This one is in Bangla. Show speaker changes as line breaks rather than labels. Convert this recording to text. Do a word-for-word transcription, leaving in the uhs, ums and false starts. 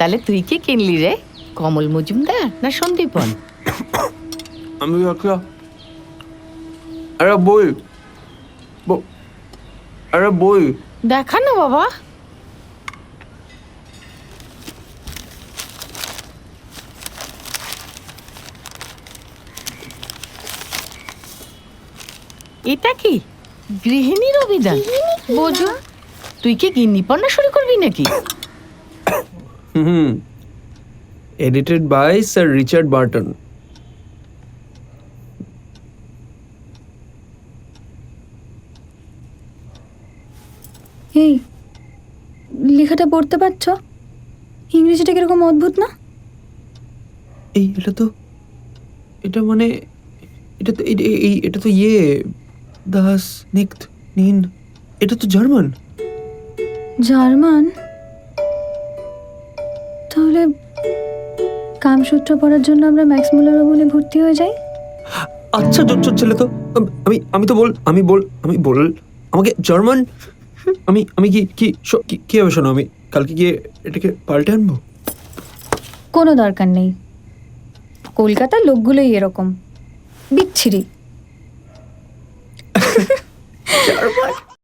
তাহলে তুই কি কিনলি রে, কমল মজুমদার না সন্দীপন?
আমি একটা আরে বই ব- আরে বই
দেখা না বাবা। এটা কি গৃহিণীর অভিধান? বোঝো, তুই কি গিন্নিপন্না শুরু করবি নাকি?
Hmm edited by sir Richard Burton.
এই লেখাটা পড়তে পারছো? ইংরেজিটা কিরকম অদ্ভুত না?
এই এটা তো এটা মানে এটা তো এই এই- এটা তো ইয়ে দাস নিক্ত নিন, এটা তো জার্মান।
জার্মান? তাহলে কামসূত্র পড়ার জন্য আমরা ম্যাক্স মুলার ভবনে ভর্তি হয়ে যাই।
আচ্ছা জোর ছেলে তো আম- আমি আমি তো বল আমি বল আমি বল আমাকে জার্মান। আমি আমি কি কি শ- কি- কি হবে শোনো, আমি কালকে গিয়ে এটাকে পাল্টে আনবো।
কোনো দরকার নেই, কলকাতার লোকগুলোই এরকম বিচ্ছিরি।
জার্মান